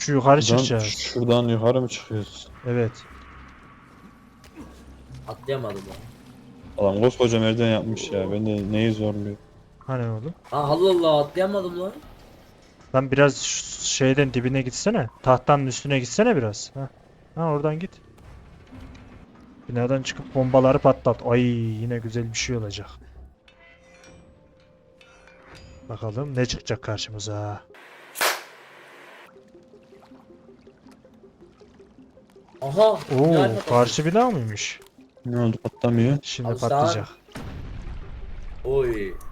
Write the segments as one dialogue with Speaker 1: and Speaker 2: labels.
Speaker 1: Şu yukarı
Speaker 2: Şuradan,
Speaker 1: çıkacağız.
Speaker 2: şuradan yukarı mı çıkıyoruz?
Speaker 1: Evet.
Speaker 3: Atlayamadım ya.
Speaker 2: Adam koskoca merdiven yapmış ya. Ben de neyi zorluyor?
Speaker 1: Hani oğlum?
Speaker 3: Aa Allah Allah atlayamadım lan.
Speaker 1: Lan biraz şeyden dibine gitsene. Tahtanın üstüne gitsene biraz. Ha oradan git. Binadan çıkıp bombaları patlat. Ay yine güzel bir şey olacak. Bakalım ne çıkacak karşımıza.
Speaker 3: Aha.
Speaker 1: Oo,
Speaker 3: güzel
Speaker 1: karşı bina mıymış?
Speaker 2: Ne oldu, patlamıyor?
Speaker 1: Şimdi
Speaker 3: Al sen.
Speaker 1: patlayacak.
Speaker 3: Oy.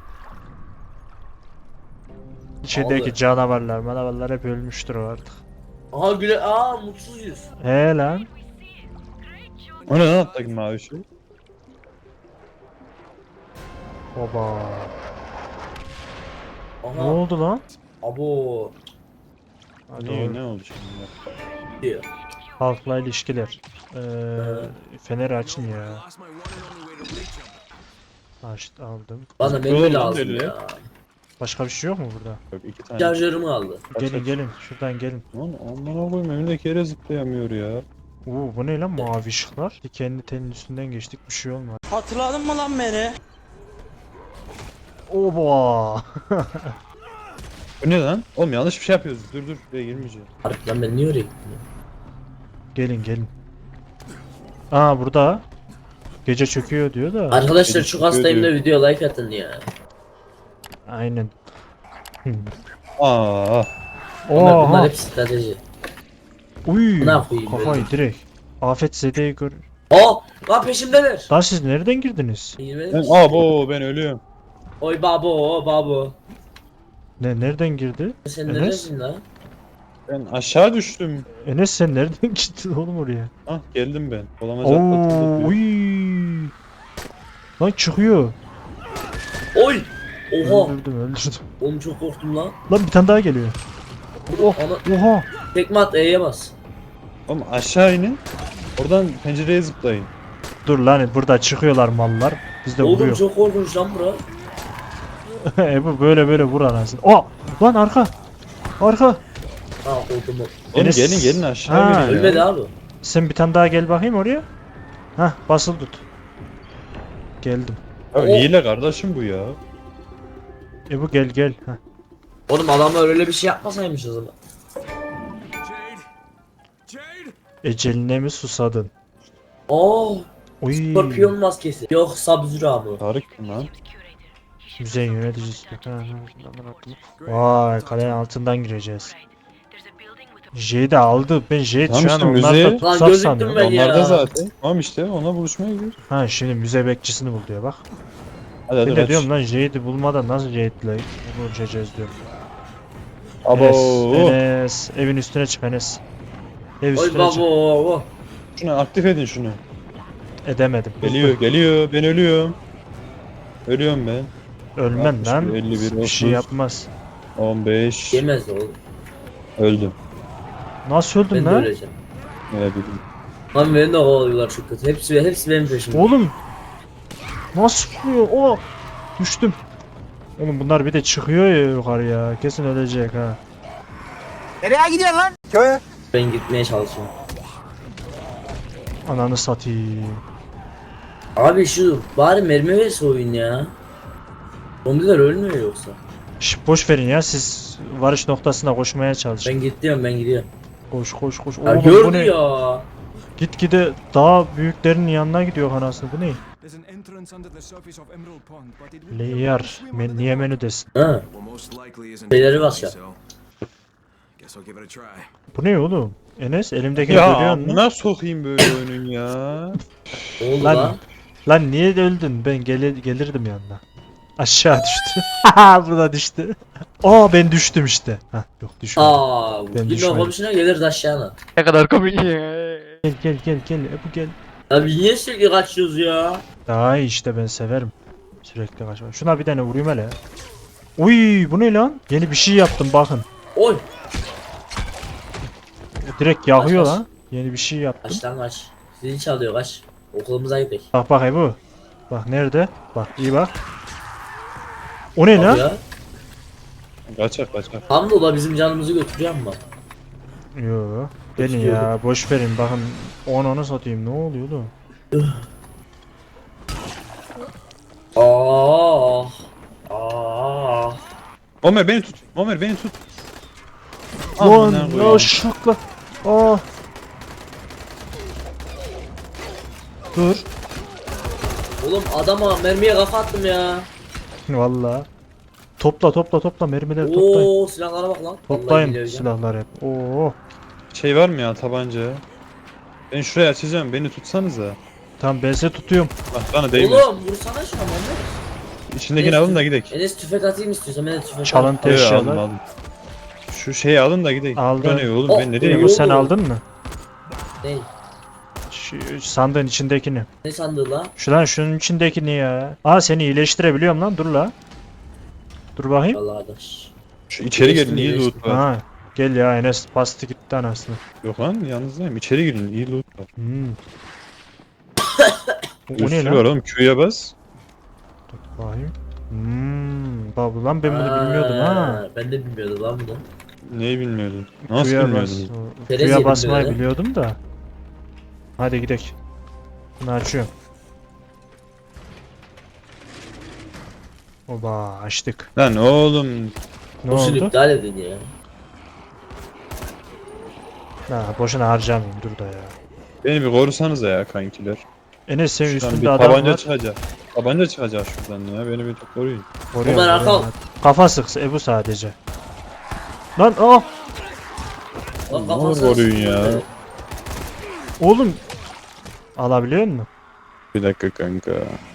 Speaker 1: İçerideki
Speaker 3: Vallahi.
Speaker 1: canavarlar hep ölmüştür o artık.
Speaker 3: Aha güle mutsuz yüz.
Speaker 1: He lan.
Speaker 2: O ne lan alttaki mavi şey?
Speaker 1: Oba. Ne
Speaker 3: Aha.
Speaker 1: oldu lan?
Speaker 3: Abo.
Speaker 1: Ha,
Speaker 2: Niye,
Speaker 1: doğru.
Speaker 2: ne oldu şimdi?
Speaker 3: Diyor.
Speaker 1: Halkla ilişkiler. Feneri açın ya. Açtı aldım.
Speaker 3: Bana
Speaker 2: Zıplıyor
Speaker 3: mermi
Speaker 2: lan
Speaker 3: lazım
Speaker 2: deli.
Speaker 3: ya.
Speaker 1: Başka bir şey yok mu burada?
Speaker 2: Yok, iki tane.
Speaker 3: Şarjörüm kaldı.
Speaker 1: Gelin gelin şuradan gelin.
Speaker 2: Lan onlara koyma, önündeki yere zıplayamıyor ya.
Speaker 1: Oo bu ne lan mavi ışıklar? Kendi telin üstünden geçtik bir şey olmadı.
Speaker 4: Hatırladın mı lan beni?
Speaker 1: Oba.
Speaker 2: Bu ne lan? Oğlum yanlış bir şey yapıyoruz. Dur buraya girmeyeceğim.
Speaker 3: Harbiden ben niye oraya gittim ya?
Speaker 1: Gelin gelin. Aa burada. Gece çöküyor diyor da.
Speaker 3: Arkadaşlar
Speaker 2: Beni
Speaker 3: çok hastayım da
Speaker 2: diyor.
Speaker 3: video like atın ya.
Speaker 1: Aynen.
Speaker 2: Aa.
Speaker 3: Bunlar
Speaker 1: Oha.
Speaker 3: hep strateji.
Speaker 1: Uy.
Speaker 3: Ne yapayım
Speaker 1: Kafayı
Speaker 3: böyle?
Speaker 1: direkt. Afet zedeyi gör.
Speaker 3: Lan peşimdeler.
Speaker 1: Lan siz nereden girdiniz?
Speaker 2: Ben ölüyorum.
Speaker 3: Oy babo babo.
Speaker 1: Nereden girdi?
Speaker 3: Sen
Speaker 1: Enes?
Speaker 3: neredesin lan?
Speaker 2: Ben aşağı düştüm.
Speaker 1: Enes sen nereden gittin oğlum oraya?
Speaker 2: Ah, geldim ben. Olamaca atlatıldı
Speaker 1: Oo,
Speaker 2: diyor.
Speaker 1: uy. Lan çıkıyor.
Speaker 3: Oy. Oha.
Speaker 1: Öldürdüm.
Speaker 3: Oğlum çok korktum lan.
Speaker 1: Lan bir tane daha geliyor. Oh,
Speaker 3: Ana
Speaker 1: oha.
Speaker 3: tekme at E'ye bas.
Speaker 2: Oğlum aşağı inin. Oradan pencereye zıplayın.
Speaker 1: Dur lan burada çıkıyorlar mallar. Biz de
Speaker 3: Oğlum
Speaker 1: vuruyor.
Speaker 3: çok korkunç lan bura.
Speaker 1: Bu böyle vur anasını. Oh! Lan arka. Arka.
Speaker 3: Ha korktum.
Speaker 2: Oğlum
Speaker 1: Enes-
Speaker 2: gelin aşağı
Speaker 1: Ha.
Speaker 2: gelin ya.
Speaker 3: Ölmedi abi.
Speaker 1: Sen bir tane daha gel bakayım oraya. Hah basılı tut. Geldim.
Speaker 2: Ya hile kardeşim bu ya.
Speaker 1: Bu gel gel. Hah.
Speaker 3: Oğlum adamlar öyle bir şey yapmasaymış o zaman.
Speaker 1: Eceline mi susadın?
Speaker 3: Oh.
Speaker 1: Uy.
Speaker 3: Skorpiyon maskesi. Yok Sub-Zero abi.
Speaker 2: Tarık kim lan?
Speaker 1: Müze yöneticisi. Vay kalenin altından gireceğiz. J de aldı. Ben J
Speaker 2: Tamam
Speaker 1: şu an
Speaker 2: işte,
Speaker 1: onlarda
Speaker 2: müzeye-
Speaker 3: Lan
Speaker 1: tutsak
Speaker 3: gözüktüm
Speaker 1: sanıyorum.
Speaker 3: ben ya.
Speaker 2: Onlar da zaten. Tamam işte, ona buluşmaya gidiyoruz.
Speaker 1: Ha şimdi müze bekçisini bul diyor bak.
Speaker 2: Hadi
Speaker 1: Ben
Speaker 2: hadi
Speaker 1: de
Speaker 2: kaç.
Speaker 1: diyorum lan Jade'i bulmadan nasıl Jade'le buluşacağız diyorum.
Speaker 2: Abo.
Speaker 1: Enes, evin üstüne çık Enes. Ev
Speaker 3: Oy
Speaker 1: üstüne çık.
Speaker 3: babo.
Speaker 2: Şunu aktif edin şunu.
Speaker 1: Edemedim.
Speaker 2: Geliyor ben ölüyorum. Ölüyorum ben.
Speaker 1: Ölmem
Speaker 2: 61,
Speaker 1: lan.
Speaker 2: 51,
Speaker 1: Bir şey
Speaker 2: 30.
Speaker 1: yapmaz.
Speaker 2: 15.
Speaker 3: Yemez de oğlum.
Speaker 2: Öldüm.
Speaker 1: Nasıl öldün
Speaker 3: Ben de
Speaker 1: lan?
Speaker 3: öleceğim.
Speaker 2: Ne bileyim.
Speaker 3: Lan beni de kovalıyorlar çok kötü. Hepsi benim peşimde.
Speaker 1: Oğlum. Nasıl vuruyor? Oh. Düştüm. Oğlum bunlar bir de çıkıyor ya yukarıya. Kesin ölecek ha.
Speaker 3: Ben gitmeye çalışıyorum.
Speaker 1: Ananı satayım.
Speaker 3: Abi şu bari mermi verse oyun ya. Zombiler ölmüyor yoksa.
Speaker 1: Şş, boş verin ya siz varış noktasına koşmaya çalışın.
Speaker 3: Ben gidiyorum.
Speaker 1: Koş koş koş.
Speaker 3: Ya
Speaker 1: Oğlum bu
Speaker 3: gördü
Speaker 1: ne?
Speaker 3: ya.
Speaker 1: Gitgide daha büyüklerinin yanına gidiyor anasını. Bu ne?
Speaker 5: There's an entrance under the surface of Emerald Pond, but it would be
Speaker 1: Leyar. Niye menüdesin?
Speaker 3: Ha.
Speaker 5: well, most likely isn't
Speaker 3: Beyleri bas ya.
Speaker 5: so guess I'll give it a try.
Speaker 1: Bu ne oğlum? Enes elimdekini
Speaker 2: Ya
Speaker 1: görüyor musun?
Speaker 2: amına sokayım böyle oyunun ya.
Speaker 3: Ne oldu
Speaker 1: Lan,
Speaker 3: lan?
Speaker 1: lan niye öldün? Ben gelirdim yanına. Aşağı düştü. Bu da düştü. Aa ben düştüm işte. Hah yok düşmedim. Ben
Speaker 3: Yine
Speaker 1: düşmedim.
Speaker 3: komşuna gelirdi aşağına.
Speaker 1: Ne kadar komik ya. Gel bu gel.
Speaker 3: Abi niye sürekli kaçıyoruz ya?
Speaker 1: Daha iyi işte ben severim. Sürekli kaçmak. Şuna bir tane vurayım hele. Uy bu ne lan? Yeni bir şey yaptım bakın.
Speaker 3: Oy.
Speaker 1: Direkt yakıyor
Speaker 3: Kaç, kaç.
Speaker 1: lan. Yeni bir şey yaptım.
Speaker 3: Kaç lan kaç. Zil çalıyor kaç. Okulumuza gidelim.
Speaker 1: Bak bakayım bu. Bak nerede? Bak iyi bak. O ne
Speaker 3: Abi
Speaker 1: lan?
Speaker 3: ya.
Speaker 2: Kaçak.
Speaker 3: Hamdola bizim canımızı götürüyor ama.
Speaker 1: Yo. Gelin ya boş verin bakın onu satayım ne oluyor oğlum?
Speaker 2: Ömer beni tut. Ömer beni tut.
Speaker 1: Lan
Speaker 2: Amına
Speaker 1: ya
Speaker 2: koyayım.
Speaker 1: şaka. Aa. Dur.
Speaker 3: Oğlum adama mermiye kafa attım ya.
Speaker 1: Valla. Topla mermileri toplayın.
Speaker 3: Oo silahlara bak lan. Vallahi
Speaker 1: Toplayın
Speaker 3: billahi hocam.
Speaker 1: silahları hep. Oo.
Speaker 2: Şey var mı ya tabanca? Ben şuraya açacağım beni tutsanıza.
Speaker 1: Tamam ben size tutuyorum.
Speaker 2: Bak bana değmez.
Speaker 3: Oğlum vursana şuna Muhammed.
Speaker 2: İçindekini alın da gidelim.
Speaker 3: Enes tüfek atayım istiyorsan ben de tüfek
Speaker 1: Çalıntı
Speaker 2: Evet,
Speaker 1: eşyalar.
Speaker 2: aldım aldım. Şu şeyi alın da gidelim.
Speaker 1: Aldım.
Speaker 2: Bu ne oğlum
Speaker 3: Oh,
Speaker 2: ben ne
Speaker 1: Emo
Speaker 2: diyeyim?
Speaker 1: sen
Speaker 3: oldu?
Speaker 1: aldın mı?
Speaker 3: Ne?
Speaker 1: Şu sandığın içindekini.
Speaker 3: Ne sandığı la?
Speaker 1: Şunun içindekini ya. Aa seni iyileştirebiliyorum lan dur la. Dur bakayım.
Speaker 3: Allah arkadaş.
Speaker 2: Şu içeri gelin iyi loot var.
Speaker 1: Ha. Gel ya Enes bastı gitti anasını.
Speaker 2: Yok lan yalnızdayım. İçeri girin iyi loot var.
Speaker 1: O
Speaker 2: Bir
Speaker 1: ne
Speaker 2: sürü
Speaker 1: lan?
Speaker 2: var oğlum Q'ya bas.
Speaker 1: Dur bakayım. Bak lan ben bunu bilmiyordum ha.
Speaker 3: Ben de bilmiyordum lan bunu.
Speaker 2: Neyi bilmiyordun? Nasıl
Speaker 1: Suya
Speaker 2: bilmiyordun?
Speaker 3: Terezi
Speaker 1: Suya
Speaker 3: yedim
Speaker 1: basmayı
Speaker 3: böyle.
Speaker 1: biliyordum da. Hadi gidelim. Bunu açıyorum. Oba açtık.
Speaker 2: Lan oğlum.
Speaker 1: Ne
Speaker 3: Boşuna
Speaker 1: oldu?
Speaker 3: iptal edin ya.
Speaker 1: Ha, boşuna harcamayayım dur da ya.
Speaker 2: Beni bir korusanıza ya kankiler.
Speaker 1: Enes senin
Speaker 2: Şuradan bir
Speaker 1: üstünde adam
Speaker 2: tabanca
Speaker 1: var.
Speaker 2: çıkacak. Tabanca çıkacak şuradan ya. Beni bir koruyun.
Speaker 1: Koruyorum,
Speaker 3: Ömer,
Speaker 1: koruyorum.
Speaker 3: arka.
Speaker 1: Kafa sıksa Ebu sadece. Lan oh!
Speaker 3: Lan
Speaker 2: Ne olur
Speaker 3: kafasına
Speaker 2: koruyun
Speaker 3: sıkıyor
Speaker 2: ya.
Speaker 3: böyle.
Speaker 1: Oğlum! Alabiliyor musun?
Speaker 2: Bir dakika kanka.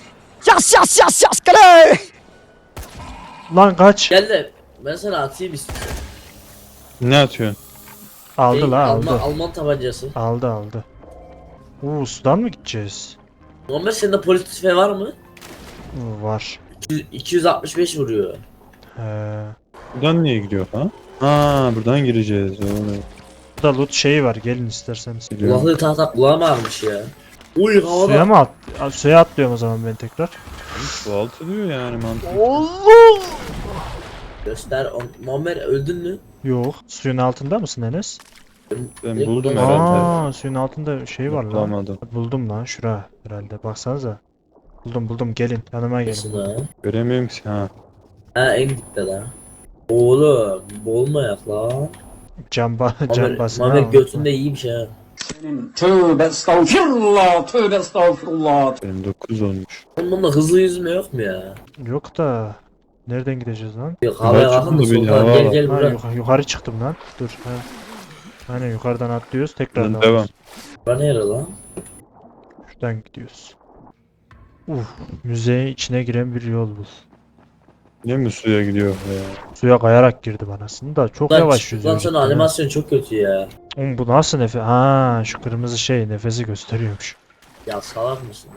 Speaker 1: Lan kaç!
Speaker 3: Gel de ben sana atayım istiyorum.
Speaker 2: Ne atıyorsun?
Speaker 1: Aldı la aldı.
Speaker 3: Alman tabancası.
Speaker 1: Aldı. Sudan mı gideceğiz?
Speaker 3: Muhammed sende polis tüfeği var mı?
Speaker 1: Var.
Speaker 3: 265 vuruyor.
Speaker 1: He.
Speaker 2: Buradan niye gidiyor ha? Ha buradan gireceğiz. Oğlum.
Speaker 1: Burada loot şeyi var gelin isterseniz.
Speaker 2: Gidiyorum.
Speaker 3: Kulaklığı tahta kulağıma almış ya. Uy havada.
Speaker 1: Suya mı suya atlıyorum o zaman ben tekrar.
Speaker 2: Su altı diyor yani mantıklı.
Speaker 1: Allah!
Speaker 3: Göster. Muhammed öldün mü?
Speaker 1: Yok. Suyun altında mısın Enes?
Speaker 2: Ben
Speaker 3: Direkt
Speaker 2: buldum
Speaker 3: buradan-
Speaker 2: herhalde.
Speaker 1: Aa, suyun altında şey var lan.
Speaker 2: Bulamadım.
Speaker 1: Buldum lan şura herhalde. Baksanıza. Buldum gelin yanıma
Speaker 3: Nasıl
Speaker 1: gelin.
Speaker 3: lan?
Speaker 2: Göremiyorum ki ha.
Speaker 3: Ha en dipte lan. Oğlum boğulmayak lan.
Speaker 1: Can basma.
Speaker 3: Muhammed götünde iyiymiş ha.
Speaker 4: Tövbe estağfirullah, tövbe estağfirullah.
Speaker 2: Benim 9 olmuş.
Speaker 3: Oğlum bunda hızlı yüzme yok mu ya?
Speaker 1: Yok da nereden gideceğiz lan?
Speaker 3: Yok havaya
Speaker 2: Hava
Speaker 3: kalkın da
Speaker 2: çıkmadı bir
Speaker 3: soldan
Speaker 2: hava
Speaker 3: gel
Speaker 2: var.
Speaker 3: gel
Speaker 1: Ha,
Speaker 3: buraya.
Speaker 1: yukarı çıktım lan. Dur. Ha. Aynen yukarıdan atlıyoruz tekrar
Speaker 2: Buradan devam.
Speaker 3: Bura nere lan?
Speaker 1: Şuradan gidiyoruz. Müzenin içine giren bir yol bu.
Speaker 2: Niye mi suya gidiyor ya?
Speaker 1: Suya kayarak girdim anasını da çok
Speaker 3: Lan
Speaker 1: yavaş
Speaker 3: çıktıktan
Speaker 1: yüzüyor.
Speaker 3: sonra animasyon çok kötü ya.
Speaker 1: Oğlum bu nasıl nefes? Ha şu kırmızı şey nefesi gösteriyormuş.
Speaker 3: Ya salak mısın?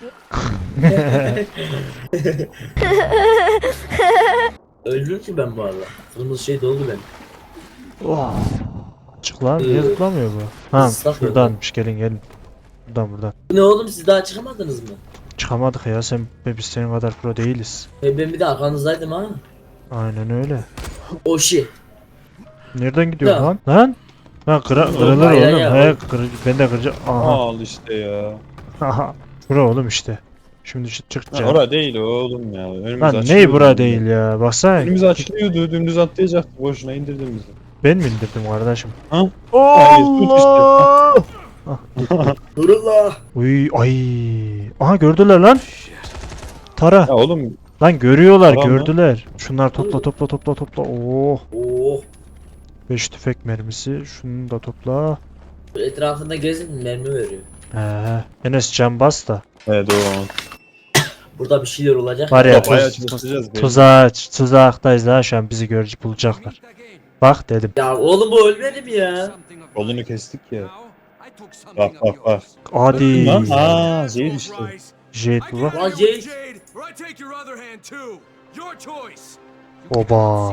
Speaker 3: Öldüm ki ben bu arada. Kırmızı şey doldu benim.
Speaker 1: Oh. Çık lan niye zıplamıyor bu? Ha
Speaker 3: Islak
Speaker 1: şuradanmış gelin. Buradan.
Speaker 3: Bu ne oğlum siz daha çıkamadınız mı?
Speaker 1: Çıkamadık ya biz senin kadar pro değiliz.
Speaker 3: Ben bir de arkanızdaydım ha.
Speaker 1: Aynen öyle.
Speaker 3: O şey.
Speaker 1: Nereden gidiyor
Speaker 3: Ya.
Speaker 1: lan? Lan? Ha kırılır
Speaker 3: Hayır,
Speaker 1: oğlum.
Speaker 3: hayır.
Speaker 1: Ben de kıracağım. Aha.
Speaker 2: Al işte ya.
Speaker 1: Aha. Bura oğlum işte. Şimdi
Speaker 2: Ha,
Speaker 1: çıkacağım.
Speaker 2: ora değil oğlum ya. Önümüz
Speaker 1: Lan
Speaker 2: açılıyordu.
Speaker 1: ney bura değil ya. Baksana.
Speaker 2: Önümüz açılıyordu. Dümdüz atlayacaktı. Boşuna indirdin bizi.
Speaker 1: Ben mi indirdim kardeşim?
Speaker 2: Ha?
Speaker 1: Allah!
Speaker 3: Nurullah.
Speaker 1: Uy ay. Aha gördüler lan. Tara.
Speaker 2: Ya oğlum
Speaker 1: Lan görüyorlar
Speaker 2: Tara mı?
Speaker 1: gördüler. Şunlar topla. Oh.
Speaker 3: Oh.
Speaker 1: 5 tüfek mermisi. Şunu da topla.
Speaker 3: Etrafında gezin mermi veriyor.
Speaker 1: Enes can bas da.
Speaker 2: evet doğru.
Speaker 3: Burada bir şeyler olacak.
Speaker 1: Var ya
Speaker 2: Bayağı çalışacağız.
Speaker 1: tuzaktayız ha şu an bizi görücü bulacaklar. Bak dedim.
Speaker 3: Ya oğlum bu ölmedi mi ya?
Speaker 2: Kolunu kestik ya. Bak.
Speaker 1: Hadi.
Speaker 2: Lan aa Zeyt işte.
Speaker 1: Jet bu bak.
Speaker 3: Lan Jade.
Speaker 1: Oba.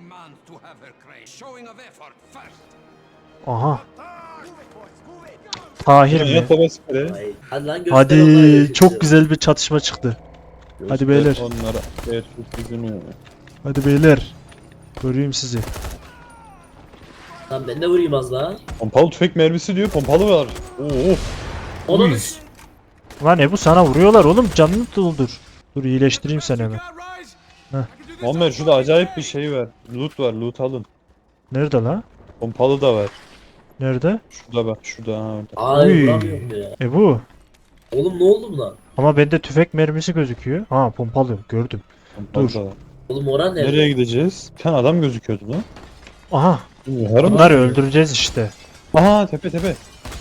Speaker 1: Aha. Tahir mi?
Speaker 2: Yat baba spre.
Speaker 3: Ay, hadi lan göster onlara
Speaker 1: Hadi
Speaker 3: göster.
Speaker 1: çok güzel bir çatışma çıktı. Hadi beyler.
Speaker 2: Onlara Ertuğrul yüzünü.
Speaker 1: Hadi beyler. Göreyim sizi.
Speaker 3: Lan ben de vurayım az daha.
Speaker 2: Pompalı tüfek mermisi diyor. Pompalı var. Oo.
Speaker 3: Onu
Speaker 2: Uy.
Speaker 1: Lan bu sana vuruyorlar oğlum, canını doldur. Dur iyileştireyim seni hemen.
Speaker 2: Muammer şurada acayip bir şey var. Loot var. Loot alın.
Speaker 1: Nerede la?
Speaker 2: Pompalı da var.
Speaker 1: Nerede?
Speaker 2: Şurada bak. Şurada. Ha, orada.
Speaker 3: Ay
Speaker 1: Uy.
Speaker 3: vuramıyorum ya.
Speaker 1: Bu.
Speaker 3: Oğlum ne oldu buna?
Speaker 1: Ama bende tüfek mermisi gözüküyor. Ha pompalı gördüm.
Speaker 2: Pompalı
Speaker 1: Dur.
Speaker 2: da var.
Speaker 3: Oğlum oran nerede?
Speaker 2: Nereye gideceğiz? Bir tane adam gözüküyordu lan.
Speaker 1: Aha
Speaker 2: Yukarı mı?
Speaker 1: bunları öldüreceğiz işte.
Speaker 2: Aha tepe tepe.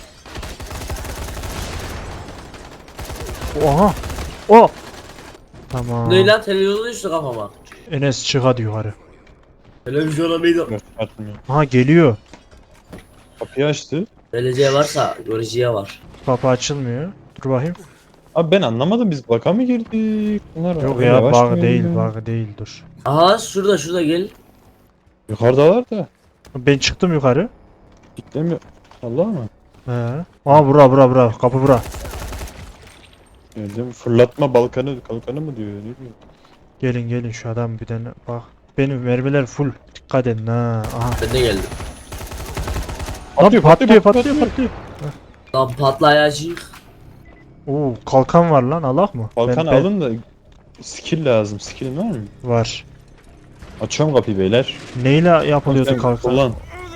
Speaker 1: Oha. O. Tamam.
Speaker 3: Ne lan televizyona düştü kafama.
Speaker 1: Enes çık hadi yukarı.
Speaker 3: Televizyona mıydı?
Speaker 2: Atmıyor.
Speaker 1: Aha geliyor.
Speaker 2: Kapıyı açtı.
Speaker 3: Geleceğe varsa göreceğe var.
Speaker 1: Kapı açılmıyor. Dur bakayım.
Speaker 2: Abi ben anlamadım, biz baka mı girdik? Bunlar
Speaker 1: Yok
Speaker 2: öyle
Speaker 1: ya
Speaker 2: yavaş mı
Speaker 1: bug değil,
Speaker 2: geliyor?
Speaker 1: bug değil dur.
Speaker 3: Aha şurada gel.
Speaker 2: Yukarıda var da.
Speaker 1: Ben çıktım yukarı.
Speaker 2: Kitlemiyor. Allah mı?
Speaker 1: He. Aa bura kapı bura.
Speaker 2: Geldim. Fırlatma kalkanı mı diyor? Ne diyor?
Speaker 1: Gelin şu adam bir tane bak. Benim mermiler full. Dikkat edin ha. Aha.
Speaker 3: Ben de geldim.
Speaker 1: Lan patlıyor.
Speaker 3: Lan patlayacak.
Speaker 1: Oo kalkan var lan alak mı?
Speaker 2: Kalkan
Speaker 1: Ben-
Speaker 2: alın da skill lazım. Skill'in var mı?
Speaker 1: Var.
Speaker 2: Açıyorum kapıyı beyler.
Speaker 1: Neyle yapılıyordu
Speaker 2: Sen
Speaker 1: kalkan?
Speaker 2: Kullan.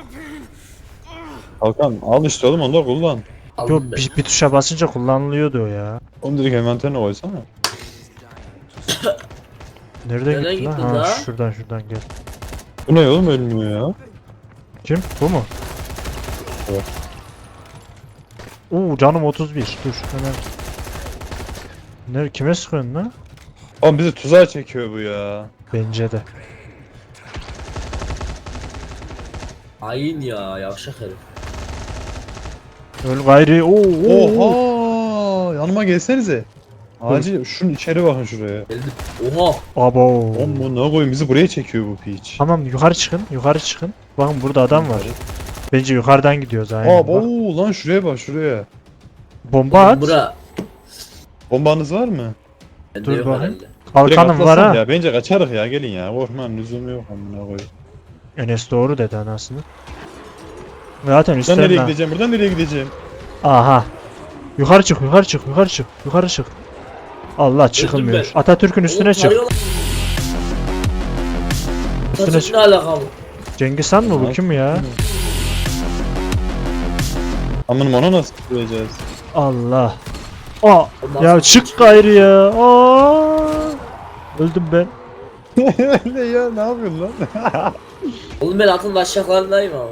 Speaker 2: Kalkan al işte oğlum, onu da kullan.
Speaker 1: Yok
Speaker 3: Aldım ben.
Speaker 1: bir tuşa basınca kullanılıyordu o ya.
Speaker 2: Onu direkt envanterine koysana.
Speaker 1: Nereden
Speaker 3: Nereye
Speaker 1: gitti lan?
Speaker 3: gittin
Speaker 1: Ha
Speaker 3: daha?
Speaker 1: şuradan gel.
Speaker 2: Bu ne oğlum, ölmüyor ya.
Speaker 1: Kim? Bu mu?
Speaker 2: Evet.
Speaker 1: Oo canım 31. Dur hemen. Kime sıkıyorsun lan?
Speaker 2: Oğlum bizi tuzağa çekiyor bu ya.
Speaker 1: Bence de.
Speaker 3: Hain ya yavşak herif.
Speaker 1: Öl gayri. Oo.
Speaker 2: Oha! Yanıma gelsenize. Acil şunun içeri bakın şuraya.
Speaker 3: Geldim. Oha.
Speaker 1: Abo.
Speaker 2: Oğlum bu ne koyayım, bizi buraya çekiyor bu piç.
Speaker 1: Tamam yukarı çıkın. Bakın burada adam var. Bence yukarıdan gidiyoruz aynen. Bak.
Speaker 2: Abo lan şuraya bak şuraya.
Speaker 1: Bomba at.
Speaker 3: Bura.
Speaker 2: Bombanız var mı?
Speaker 3: Bende
Speaker 1: Dur
Speaker 3: yok
Speaker 1: bakayım.
Speaker 3: herhalde.
Speaker 2: Direkt
Speaker 1: Kalkanım var
Speaker 2: atlasam
Speaker 1: ha.
Speaker 2: ya. Bence kaçarız ya, gelin ya. Korkmanın lüzumu yok amına koyayım.
Speaker 1: Enes doğru dedi anasını. Zaten
Speaker 2: Buradan
Speaker 1: üstten
Speaker 2: nereye gideceğim? Buradan nereye gideceğim?
Speaker 1: Aha. Yukarı çık. Allah çıkılmıyor.
Speaker 3: ben.
Speaker 1: Atatürk'ün üstüne
Speaker 3: Oğlum
Speaker 1: çık.
Speaker 3: tarıyorlar.
Speaker 1: Üstüne
Speaker 3: Saçın
Speaker 1: çık.
Speaker 3: ne alakalı?
Speaker 1: Cengiz Han mı bu
Speaker 2: Nasıl?
Speaker 1: kim ya?
Speaker 2: Amanım, onu nasıl tutacağız?
Speaker 1: Allah. Aa.
Speaker 3: Ondan
Speaker 1: Ya
Speaker 3: sonra
Speaker 1: çık gayrı ya. Aa. Öldüm ben.
Speaker 2: Ne ya, ne yapıyorsun lan?
Speaker 3: Oğlum ben atın aşağılarındayım ama.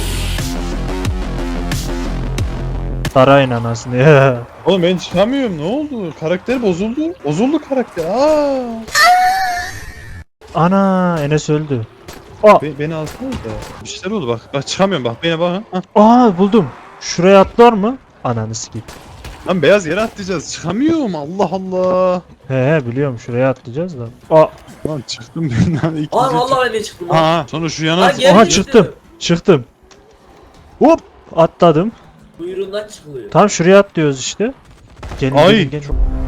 Speaker 1: Sarayın anasını ya.
Speaker 2: Oğlum ben çıkamıyorum, ne oldu? Karakter bozuldu. Bozuldu karakter. Aa!
Speaker 1: Ana Enes öldü.
Speaker 2: Beni alsana da. Bir şeyler oldu bak. Bak çıkamıyorum bak. Bana bakın. Hah.
Speaker 1: Aa buldum. Şuraya atlar mı? Ananı sikeyim.
Speaker 2: Lan beyaz yere atlayacağız. Çıkamıyorum. Allah Allah.
Speaker 1: He biliyorum şuraya atlayacağız da. Aa.
Speaker 2: Lan çıktım ben lan. İkinci
Speaker 3: Aa vallahi ben de çıktım lan.
Speaker 2: Ha, sonra şu yana
Speaker 3: Lan gel,
Speaker 1: Aha
Speaker 3: gel,
Speaker 1: çıktım.
Speaker 3: gel.
Speaker 1: Çıktım. Hop atladım.
Speaker 3: Kuyruğundan çıkılıyor.
Speaker 1: Tam şuraya atlıyoruz işte. Gelin
Speaker 2: Ay.
Speaker 1: gelin.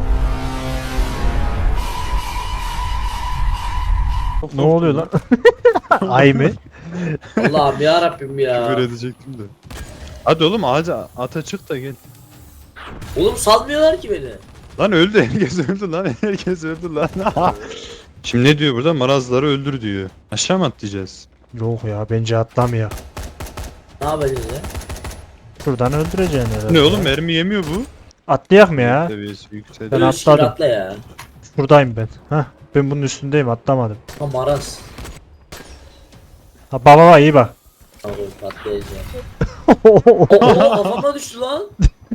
Speaker 2: Çok
Speaker 1: Ne oluyor lan?
Speaker 2: korktum
Speaker 1: Ay mı?
Speaker 3: Allah'ım ya Rabbim ya.
Speaker 2: Küfür edecektim de. Hadi oğlum ağaca ata çık da gel.
Speaker 3: Oğlum salmıyorlar ki beni.
Speaker 2: Lan öldü, herkes öldü lan, herkes öldü lan. Şimdi ne diyor burada? Marazları öldür diyor. Aşağı mı atlayacağız?
Speaker 1: Yok ya bence atlamıyor.
Speaker 3: Ne yapacağız ya?
Speaker 1: Şuradan öldüreceksin herhalde.
Speaker 2: Ne oğlum, mermi yemiyor bu.
Speaker 1: Atlayak mı ya?
Speaker 2: Seviyesi yükseldi.
Speaker 1: Ben
Speaker 3: Böyle
Speaker 1: atladım.
Speaker 3: atla ya.
Speaker 1: Şuradayım ben. Hah. Ben bunun üstündeyim atlamadım.
Speaker 3: Ha maraz.
Speaker 1: Ha baba iyi bak.
Speaker 3: Tamam patlayacağım. Oo kafama düştü lan.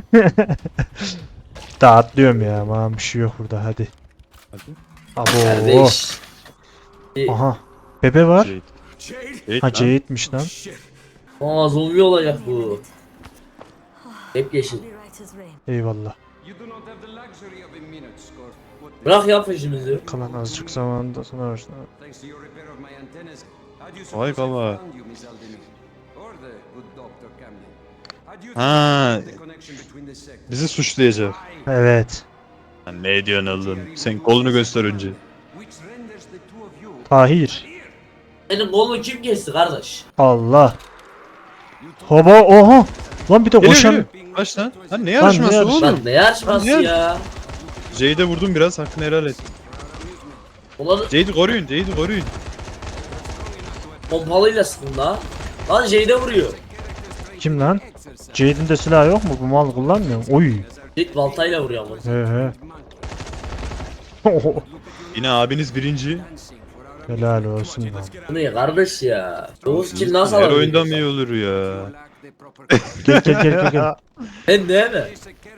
Speaker 1: Daha atlıyorum ya. Aman bir şey yok burada hadi.
Speaker 2: Hadi.
Speaker 1: Abo.
Speaker 3: Kardeş.
Speaker 1: Aha. Bebe var.
Speaker 2: Jade.
Speaker 5: Jade?
Speaker 2: Jade
Speaker 1: Ha
Speaker 2: lan.
Speaker 1: Jade'miş lan.
Speaker 5: Shit.
Speaker 3: Aa zombi olacak bu. Hep yeşil.
Speaker 1: Eyvallah.
Speaker 5: You do not have the luxury of a minute, Scott. What the-
Speaker 3: Bırak ya peşimizi.
Speaker 1: Kalan azıcık zamanda sonra başla.
Speaker 5: Thanks to your repair of my antennas, how do you
Speaker 2: Vay
Speaker 5: suppose I
Speaker 2: baba.
Speaker 5: found you, Miss Aldemir? Or the good Dr. Camden? How do you
Speaker 2: Ha.
Speaker 5: think the connection between the sectors?
Speaker 2: Bizi suçlayacak.
Speaker 5: Why?
Speaker 1: Evet.
Speaker 2: Lan ne diyorsun oğlum? Sen kolunu göster önce.
Speaker 5: Which renders the two of you
Speaker 1: Tahir.
Speaker 3: Benim kolumu kim kesti kardeş?
Speaker 1: Allah. Hava oha. Lan bir de
Speaker 2: Geliyor
Speaker 1: koşan.
Speaker 2: geliyor. Kaç lan? Lan ne yarışması
Speaker 1: yarış-
Speaker 2: oğlum?
Speaker 3: Lan ne yarışması
Speaker 2: Lan ne
Speaker 3: ya?
Speaker 2: Jade'e vurdum biraz, hakkını helal et.
Speaker 3: Ulan
Speaker 2: Jade'i koruyun, Jade'i koruyun.
Speaker 3: pompalıyla sıkın la. Lan Jade vuruyor.
Speaker 1: Kim lan? Jade'in de silahı yok mu? Bu mal kullanmıyor. Oy.
Speaker 3: Jade baltayla vuruyor ama.
Speaker 1: He he.
Speaker 2: Yine abiniz birinci.
Speaker 1: Helal olsun lan.
Speaker 3: Bu ne kardeş ya? 9 kill nasıl
Speaker 2: Her
Speaker 3: alabiliyor?
Speaker 2: oyunda mı iyi olur ya?
Speaker 1: Gel.
Speaker 3: Ben değil mi?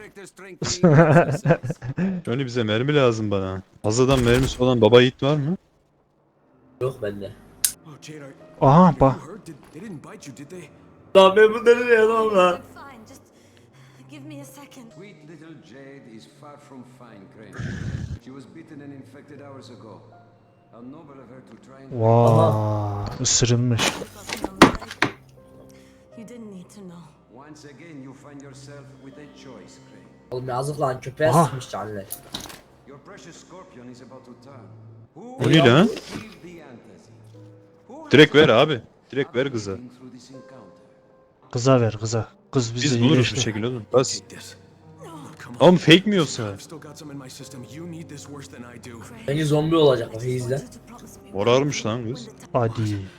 Speaker 2: Şöyle bize mermi lazım bana. Fazladan mermisi olan baba yiğit var mı?
Speaker 3: Yok bende.
Speaker 5: Oh, Jade,
Speaker 1: Aha bak.
Speaker 5: you hurt? They didn't bite you, did they?
Speaker 3: Lan ben bunları ne yapamam lan?
Speaker 6: Fine, just give me a second.
Speaker 4: Sweet little Jade is far from fine, Crane. She was bitten and infected hours ago. How noble of her to try and...
Speaker 1: Vaa, ısırılmış.
Speaker 6: You didn't need to know.
Speaker 4: Once again, you find yourself with a choice, Crane.
Speaker 3: Oğlum yazık lan köpeğe
Speaker 1: Aha.
Speaker 3: sıkmış canlı.
Speaker 4: Your precious scorpion is about to turn.
Speaker 2: O ne lan?
Speaker 4: Give the antacid? Who
Speaker 2: Direkt ver abi. Direkt ver kıza.
Speaker 4: through this encounter?
Speaker 1: Kıza ver kıza. Kız bizi
Speaker 2: Biz buluruz bir
Speaker 1: iyileştir.
Speaker 2: şekilde oğlum. Bas.
Speaker 5: This. Come on.
Speaker 2: Oğlum fake mi yoksa?
Speaker 5: I've still got some in my system. You need this worse than I do.
Speaker 3: Bence zombi olacak o izle.
Speaker 2: Morarmış lan kız.
Speaker 1: Hadi.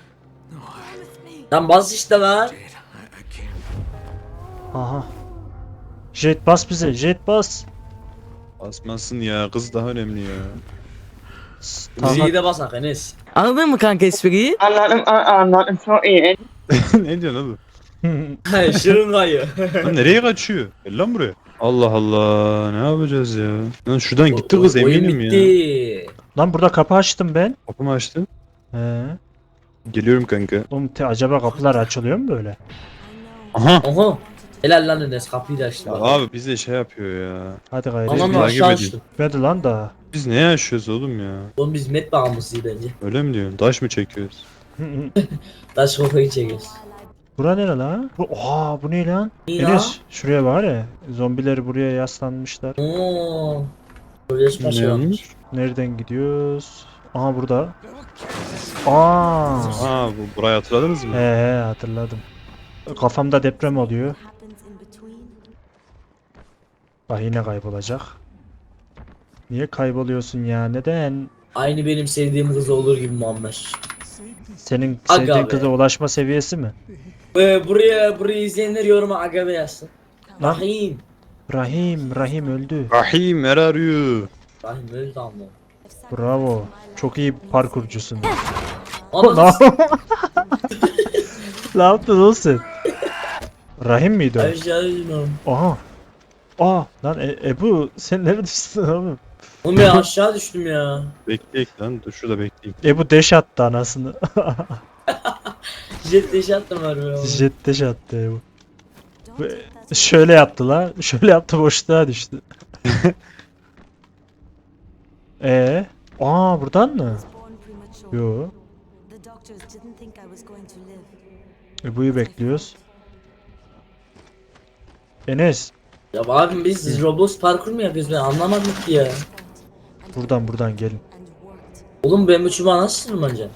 Speaker 3: Lan bas işte lan.
Speaker 5: Jade, I can't.
Speaker 1: Aha. Jet bas bize. Jet bas.
Speaker 2: Basmasın ya, kız daha önemli ya.
Speaker 3: Bizi
Speaker 1: Tamam.
Speaker 3: de basak Enes.
Speaker 7: Anladın mı kanka espriyi?
Speaker 8: Anladım çok iyi.
Speaker 2: Ne diyorsun oğlum?
Speaker 3: Şırın kayıyor.
Speaker 2: Lan nereye kaçıyor? Gel lan buraya. Allah Allah, ne yapacağız ya? Lan şuradan gitti kız,
Speaker 3: Oyun
Speaker 2: eminim ya.
Speaker 3: bitti.
Speaker 1: Lan burada kapı açtım ben.
Speaker 2: Kapımı açtın.
Speaker 1: He.
Speaker 2: Geliyorum kanka.
Speaker 1: Oğlum acaba kapılar açılıyor mu böyle?
Speaker 2: Aha.
Speaker 3: Oha. Helal lan Enes kapıyı da açtı.
Speaker 2: Ya
Speaker 3: bak.
Speaker 2: abi bize şey yapıyor ya.
Speaker 1: Hadi gayret.
Speaker 3: Anam
Speaker 2: takip
Speaker 3: aşağı
Speaker 2: edeyim.
Speaker 3: açtı.
Speaker 1: Bitmedi lan daha.
Speaker 2: Biz ne yaşıyoruz oğlum ya?
Speaker 3: Oğlum biz met bağımlısıyız bence.
Speaker 2: Öyle mi diyorsun? Taş mı çekiyoruz?
Speaker 3: Taş kafayı çekiyoruz.
Speaker 1: Bura nere lan? Oha bu ne lan?
Speaker 3: İyi lan.
Speaker 1: Enes şuraya var ya. Zombileri buraya yaslanmışlar.
Speaker 3: Oo. Sözleşme şey olmuş.
Speaker 1: Nereden gidiyoruz? Aha burada. Aa.
Speaker 2: Aa, burayı hatırladınız mı?
Speaker 1: He hatırladım. Kafamda deprem oluyor.
Speaker 6: Happens in between.
Speaker 1: Bak yine kaybolacak. Niye kayboluyorsun ya? Neden?
Speaker 3: Aynı benim sevdiğim kız olur gibi Muammer.
Speaker 1: Senin
Speaker 3: Aga
Speaker 1: sevdiğin
Speaker 3: be.
Speaker 1: kıza ulaşma seviyesi mi?
Speaker 3: Burayı izleyenler yoruma agabe yazsın.
Speaker 1: Lan.
Speaker 3: Rahim.
Speaker 1: Rahim öldü.
Speaker 2: Rahim, where are you?
Speaker 3: Rahim öldü ama.
Speaker 1: Bravo. Çok iyi parkurcusun.
Speaker 3: Ama
Speaker 1: Ne yaptın oğlum sen? Rahim miydi o?
Speaker 3: aşağı
Speaker 1: Aha. Aa lan Ebu sen neredesin oğlum?
Speaker 3: Oğlum ya aşağı düştüm ya.
Speaker 2: Bekleyek lan, dur şurada bekleyeyim.
Speaker 1: Ebu deş attı anasını.
Speaker 3: Jet deş attım harbi ya.
Speaker 1: Jet deş attı Ebu. Şöyle yaptı la. Şöyle yaptı boşluğa düştü. Aa buradan mı?
Speaker 6: Born premature.
Speaker 1: Yo.
Speaker 6: The doctors didn't think I was going to live.
Speaker 1: Ebu'yu bekliyoruz. Enes.
Speaker 3: Ya abim biz Roblox parkur mu yapıyoruz ben anlamadım ki ya.
Speaker 1: Buradan gelin.
Speaker 6: And worked.
Speaker 3: Oğlum ben bu çubuğa nasıl tırmanacağım?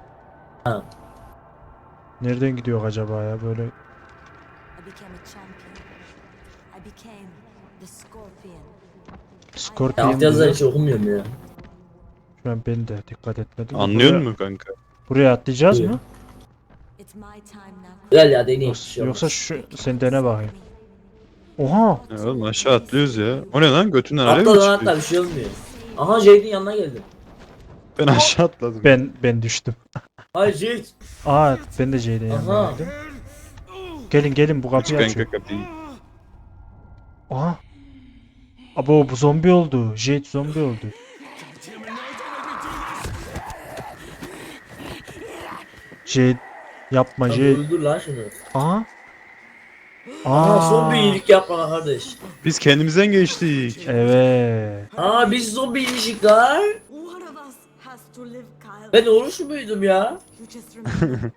Speaker 1: Nereden gidiyor acaba ya böyle?
Speaker 6: I became a champion. I became the scorpion.
Speaker 3: Ya
Speaker 1: Scorpion
Speaker 3: alt yazıları
Speaker 1: diyor.
Speaker 3: hiç okumuyorum ya.
Speaker 1: Şu an ben de dikkat etmedim.
Speaker 2: Anlıyor
Speaker 1: Buraya-
Speaker 2: musun kanka?
Speaker 1: Buraya atlayacağız
Speaker 3: Buyur.
Speaker 1: mı?
Speaker 6: It's my time now.
Speaker 3: Gel ya deneyim. bir şey
Speaker 1: Yoksa
Speaker 3: olmaz.
Speaker 1: şu sen dene bakayım. Oha!
Speaker 2: Ya oğlum aşağı atlıyoruz ya. O ne lan, götünden alev mi
Speaker 3: Atla lan atla
Speaker 2: çıkıyor?
Speaker 3: bir şey olmuyor. Aha Jade'in yanına geldim.
Speaker 2: Ben aşağı atladım.
Speaker 1: Ben düştüm.
Speaker 3: Hayır Jade.
Speaker 1: Aa ben de Jade'in
Speaker 3: Aha.
Speaker 1: yanına geldim. Gelin bu
Speaker 2: Aç
Speaker 1: kapıyı açın.
Speaker 2: kanka kapıyı.
Speaker 1: Aha. Abo bu zombi oldu. Jade zombi oldu. Jade yapma
Speaker 3: Lan
Speaker 1: Jade.
Speaker 3: öldür lan şunu.
Speaker 1: Aha.
Speaker 3: Aa zombi iyilik yapma kardeş.
Speaker 2: Biz kendimizden geçtik.
Speaker 1: Evet.
Speaker 3: Aa biz zombi iyiymişik lan.
Speaker 6: One of us has to live, Kyle.
Speaker 3: Ben oruç muydum ya?
Speaker 6: You just remember.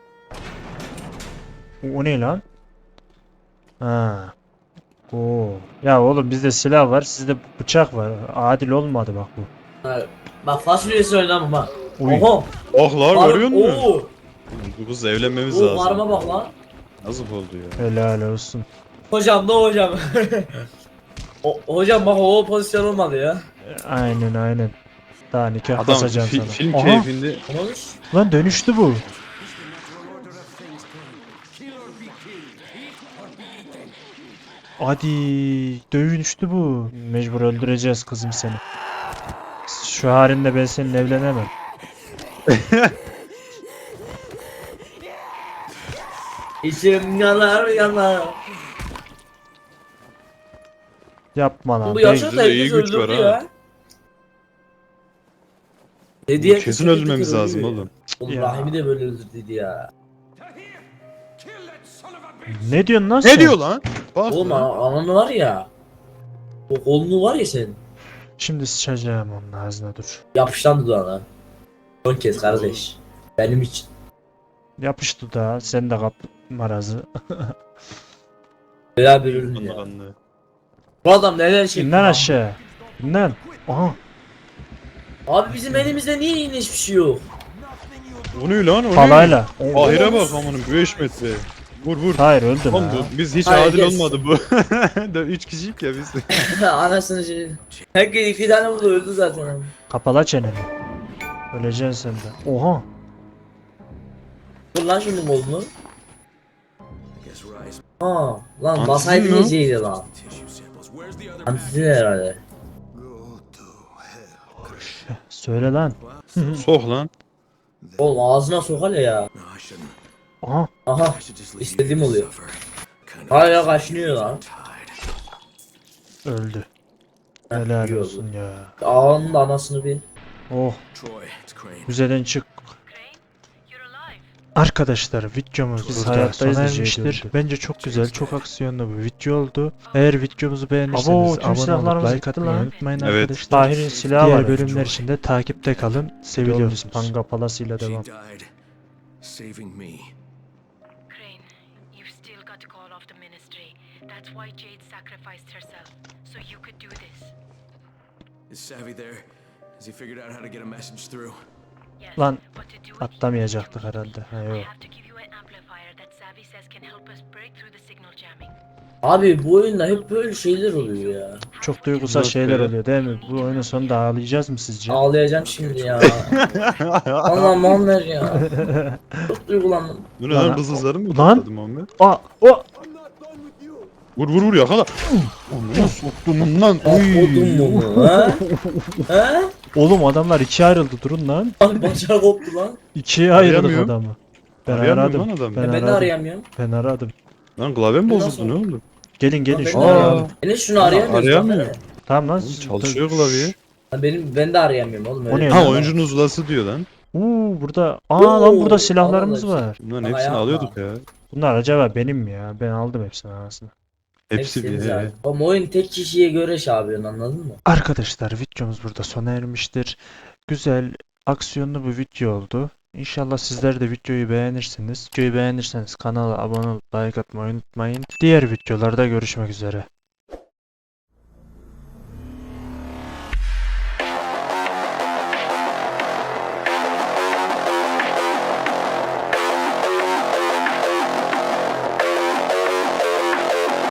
Speaker 1: O ne lan? Ha. Oo. Ya oğlum bizde silah var, sizde bıçak var. Adil olmadı bak bu.
Speaker 3: Ha, bak fasulyesi oynamam ha.
Speaker 1: Uy.
Speaker 3: Oho.
Speaker 2: Oh lan, görüyor musun?
Speaker 3: Oo.
Speaker 2: Bu kızla evlenmemiz
Speaker 3: Oo
Speaker 2: lazım.
Speaker 3: varma bak lan.
Speaker 2: Yazık oldu ya.
Speaker 1: Helal olsun.
Speaker 3: Hocam ne hocam? Hocam bak o pozisyon olmadı ya.
Speaker 1: Aynen. Daha nikah
Speaker 2: Adam
Speaker 1: basacağım sana.
Speaker 2: film
Speaker 1: Aha,
Speaker 2: keyfinde
Speaker 3: Olmamış.
Speaker 1: lan dönüştü bu. Hadi dövüştü bu. Mecbur öldüreceğiz kızım seni. Şu halinle ben seninle evlenemem.
Speaker 3: İçim yanar yanar.
Speaker 1: Yapma lan.
Speaker 3: Bu
Speaker 1: Ben-
Speaker 3: yaşa da
Speaker 2: Bizde de iyi
Speaker 3: herkes
Speaker 2: güç var
Speaker 3: öldürdü
Speaker 2: ha.
Speaker 3: ya. Dedi ya,
Speaker 2: kesin öldürmemiz lazım oğlum.
Speaker 3: Oğlum
Speaker 1: Ya.
Speaker 3: Rahim'i de böyle öldürdü ya.
Speaker 1: Ne diyorsun lan sen?
Speaker 2: Ne diyor lan? Bak
Speaker 3: Oğlum
Speaker 2: lan.
Speaker 3: ananı var ya. O kolunu var ya senin.
Speaker 1: Şimdi sıçacağım onun ağzına dur.
Speaker 3: Yapıştan dudağına. Son kez kardeş. Benim için.
Speaker 1: Yapıştı da sen de kap marazı.
Speaker 3: Beraber ölün ya.
Speaker 2: Anlı.
Speaker 3: Bu adam neler çekti.
Speaker 1: İn lan
Speaker 3: lan.
Speaker 1: aşağı. İn lan. Aha.
Speaker 3: Abi bizim elimizde niye yine hiçbir şey yok?
Speaker 2: O ne lan? O ne?
Speaker 1: Palayla.
Speaker 2: Ahire bak amanın 5 metre. Vur.
Speaker 1: Hayır öldüm
Speaker 2: Oğlum
Speaker 1: ha.
Speaker 2: biz hiç
Speaker 3: Hayır,
Speaker 2: adil
Speaker 3: geç.
Speaker 2: olmadı bu. 3 kişiyik ya biz.
Speaker 3: Anasını şey. Herkes 2 tane vurdu öldü zaten.
Speaker 1: Kapala çeneni. Öleceksin sen de. Oha.
Speaker 3: Vur lan şunun kolunu.
Speaker 4: Guess Rise
Speaker 3: Aa lan
Speaker 2: Antisin
Speaker 3: basaydı
Speaker 2: mi o?
Speaker 3: yiyeceğiydi lan.
Speaker 5: Tissue samples. Where's the other
Speaker 3: Antisin herhalde.
Speaker 1: Söyle lan.
Speaker 2: Sok lan.
Speaker 3: Oğlum ağzına sokar ya.
Speaker 4: No, I shouldn't.
Speaker 1: Aha.
Speaker 3: Aha.
Speaker 4: I should just leave
Speaker 3: İstediğim
Speaker 4: you to
Speaker 3: oluyor.
Speaker 4: suffer. Kind of
Speaker 3: Hala kaşınıyor lan.
Speaker 4: tied.
Speaker 1: Öldü. Helal
Speaker 3: iyi oldu.
Speaker 1: olsun ya.
Speaker 3: Ağanın da anasını bir.
Speaker 1: Oh.
Speaker 4: Troy, it's Crane.
Speaker 1: Müzeden çık. Arkadaşlar videomuz
Speaker 2: Biz
Speaker 1: burada
Speaker 2: hayattayız
Speaker 1: sona
Speaker 2: diyecektim.
Speaker 1: ermiştir. Bence çok güzel, çok aksiyonlu bir video oldu. Eğer videomuzu beğenirseniz abone olup like atmayı unutmayın
Speaker 2: Evet.
Speaker 1: arkadaşlar.
Speaker 5: Tahir'in silahı
Speaker 1: Diğer
Speaker 5: var.
Speaker 1: bölümler için de takipte kalın. Seviyoruz. Panga Palası'yla
Speaker 4: She
Speaker 1: devam.
Speaker 4: died saving me.
Speaker 7: Crane, you've still got to call off the ministry. That's why Jade sacrificed herself, so you could do this.
Speaker 4: Is Savvy there? Has he figured out how to get a message through?
Speaker 7: Yes,
Speaker 1: Lan
Speaker 7: but to do it,
Speaker 1: atlamayacaktık herhalde. Ha
Speaker 7: I
Speaker 1: yok.
Speaker 7: have to give you an amplifier that Savvy says can help us break through the signal jamming.
Speaker 3: Abi bu oyunda hep böyle şeyler oluyor ya.
Speaker 1: Çok duygusal
Speaker 2: Yok
Speaker 1: şeyler
Speaker 2: be.
Speaker 1: oluyor değil mi? Bu oyunun sonunda ağlayacağız mı sizce?
Speaker 3: Ağlayacağım şimdi ya. Allah'ım Muammer ya. Çok duygulandım.
Speaker 2: Bu ne
Speaker 1: Lan-
Speaker 2: lan bızızları mı
Speaker 1: Lan-
Speaker 2: patladı Muhammed?
Speaker 1: Aa, o.
Speaker 2: Vur yakala. Onu soktum lan.
Speaker 3: Kodum bunu ha? Ha?
Speaker 1: Oğlum adamlar ikiye ayrıldı durun lan.
Speaker 3: Abi bacağı koptu lan.
Speaker 1: İkiye ayırdık
Speaker 2: Arayamıyorum.
Speaker 1: adamı. Ben
Speaker 2: Arayamıyorum
Speaker 1: aradım.
Speaker 2: lan adamı.
Speaker 1: Ben
Speaker 3: Ben de
Speaker 1: aradım.
Speaker 3: arayamıyorum.
Speaker 1: Ben aradım.
Speaker 2: Lan klavyem
Speaker 3: Nasıl?
Speaker 2: bozuldu ne oldu?
Speaker 1: Gelin
Speaker 3: Lan
Speaker 1: gelin
Speaker 3: ben de
Speaker 1: şunu
Speaker 2: Aa.
Speaker 1: arayalım.
Speaker 3: Enes şunu arayamıyoruz.
Speaker 2: Arayamıyor.
Speaker 3: bak hele.
Speaker 1: Tamam lan.
Speaker 2: Oğlum çalışıyor klavye.
Speaker 3: Lan ben de arayamıyorum oğlum.
Speaker 1: O
Speaker 3: öyle
Speaker 1: ne
Speaker 3: bir
Speaker 1: lan?
Speaker 2: Ha
Speaker 3: şey var.
Speaker 2: oyuncunun uzlası diyor lan.
Speaker 1: Burada. Aa lan burada
Speaker 3: Oo,
Speaker 1: silahlarımız
Speaker 3: Allah Allah.
Speaker 1: var.
Speaker 2: Bunların
Speaker 3: Ama
Speaker 2: hepsini
Speaker 3: yapma.
Speaker 2: alıyorduk ya.
Speaker 1: Bunlar acaba benim mi ya? Ben aldım hepsini aslında.
Speaker 2: Hepsi
Speaker 3: Hepsi
Speaker 2: bir.
Speaker 3: güzel. Oğlum oyun tek kişiye göre şey yapıyorsun anladın mı?
Speaker 1: Arkadaşlar videomuz burada sona ermiştir. Güzel, aksiyonlu bir video oldu. İnşallah sizler de videoyu beğenirsiniz. Videoyu beğenirseniz kanala abone olup like atmayı unutmayın. Diğer videolarda görüşmek üzere.